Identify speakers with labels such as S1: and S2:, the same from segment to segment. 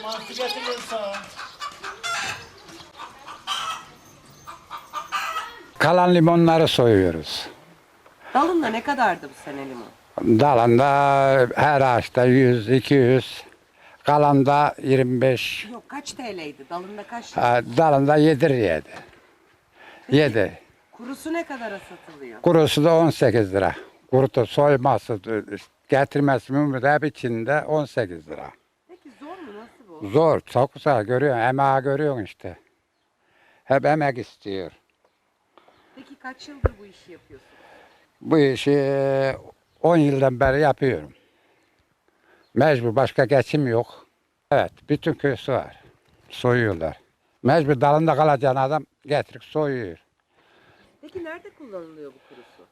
S1: Mantı getiriyorum sana.
S2: Kalan limonları soyuyoruz.
S3: Dalında ne kadardı bu sene limon?
S2: Dalında her ağaçta 100, 200. Kalanda 25.
S3: Yok, kaç TL'ydi? Dalında kaç?
S2: Dalında 7 liraydı. 7.
S3: Kurusu ne kadara satılıyor?
S2: Kurusu da 18 lira. Kurutu soyması, getirmesi mümkün hep içinde 18 lira.
S3: Peki zor mu? Nasıl bu?
S2: Zor, çok zor görüyorsun. Emeği görüyorsun işte. Hep emek istiyor.
S3: Peki kaç yıldır bu işi yapıyorsun?
S2: Bu işi 10 yıldan beri yapıyorum. Mecbur, başka geçim yok. Evet, bütün köy var. Soyuyorlar. Mecbur dalında kalacağın adam getirip soyuyor.
S3: Peki nerede kullanılıyor bu kurusu?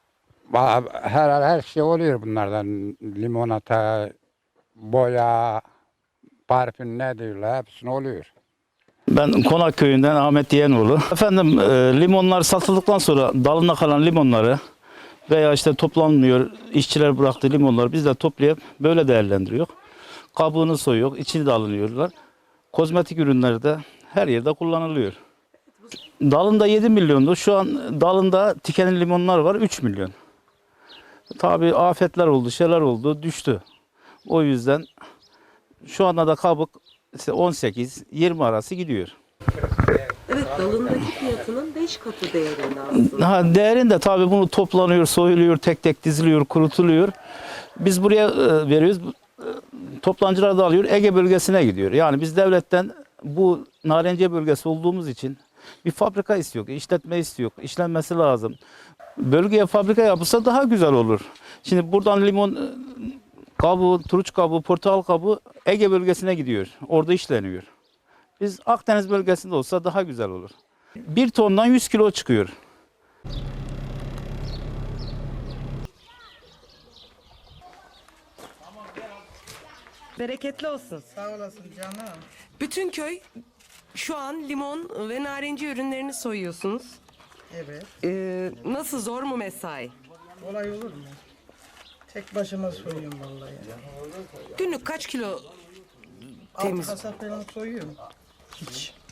S2: Her şey oluyor bunlardan. Limonata, boya, parfüm ne diyorlar hepsini oluyor.
S1: Ben Konak köyünden Ahmet Yeğenoğlu. Efendim limonlar satıldıktan sonra dalında kalan limonları veya işte toplanmıyor işçiler bıraktığı limonları biz de toplayıp böyle değerlendiriyor. Kabuğunu soyuyor, içini de alınıyorlar. Kozmetik ürünleri de her yerde kullanılıyor. Dalında 7 milyondu. Şu an dalında tikenli limonlar var 3 milyon. Tabii afetler oldu, şeyler oldu, düştü. O yüzden şu anda da kabuk işte 18-20 arası gidiyor.
S3: Evet, dalındaki fiyatının 5 katı değerinde aslında.
S1: Değerinde tabii bunu toplanıyor, soyuluyor, tek tek diziliyor, kurutuluyor. Biz buraya veriyoruz. Toplancılar da alıyor, Ege bölgesine gidiyor. Yani biz devletten bu Narenciye bölgesi olduğumuz için bir fabrika istiyor, işletme istiyor, işlenmesi lazım. Bölgeye fabrika yapılsa daha güzel olur. Şimdi buradan limon kabuğu, turunç kabuğu, portakal kabuğu Ege bölgesine gidiyor. Orada işleniyor. Biz Akdeniz bölgesinde olsa daha güzel olur. 1 tondan 100 kilo çıkıyor.
S3: Bereketli olsun.
S4: Sağ olasın canım.
S3: Bütün köy şu an limon ve narenciye ürünlerini soyuyorsunuz.
S4: Evet.
S3: Nasıl, zor mu mesai?
S4: Kolay olur mu? Tek başıma soyuyorum vallahi.
S3: Günlük kaç kilo
S4: 6
S3: temiz?
S4: kasa falan soyuyorum. Hiç.